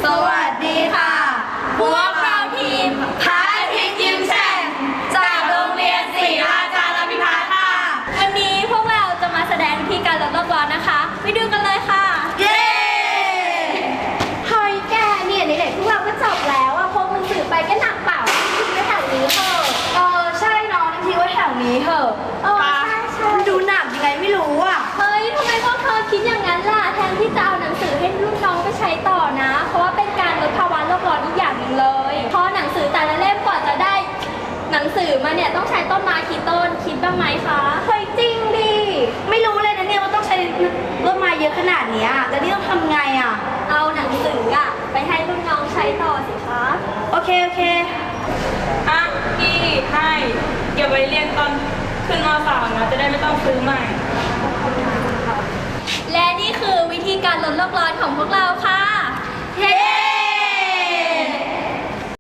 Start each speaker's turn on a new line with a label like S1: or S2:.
S1: สวัสดีค่ะพวกเราทีมพระอาทิตย์ยิ้มแฉ่งจากโรงเรียนศรีราชาพิพัฒน์ค่ะ
S2: วันนี้พวกเราจะมาแสดงวิธีการลดโลกร้อนนะคะไปดูกันเลยค่ะ
S1: เย้
S2: เฮ้ยแกเนี่ยไหนๆพวกเราก็จบแล้วอะพกหนังสือไปก็หนักเปล่าทิ้งไว้แถวนี้เถอะ
S1: ใช่น้องทิ้งไว้แถวนี้เถอะ
S2: ใช่
S1: ดูหนักยังไงไม่รู้อ่ะ
S2: เฮ้ยทำไมพวกเธอคิดอย่างนั้นล่ะแทนที่จะเอาหนังสือให้รุ่นน้องไปใช้ต่อนะเพราะว่าเป็นการลดภาวะโลกร้อนอีกอย่างหนึ่งเลยเพราะหนังสือแต่ละเล่มก่อนจะได้หนังสือมาเนี่ยต้องใช้ต้นไม้กี่ต้นคิดบ้างไหมคะ
S1: เฮ้ยจริงดิไม่รู้เลยนะเนี่ยว่าต้องใช้ต้นไม้เยอะขนาดนี้แล้วนี่ต้องทำไงอ่ะ
S2: เอาหนังสืออะไปให้รุ่นน้องใช้ต่อสิคะ
S1: โอเค
S3: อ่ะพี่ให้เก็บไว้เรียนตอนขึ้นม.3นะจะได้ไม่ต้องซื้อใหม่
S2: และนี่คือวิธีการลดโลกร้อนของพวกเราค่ะ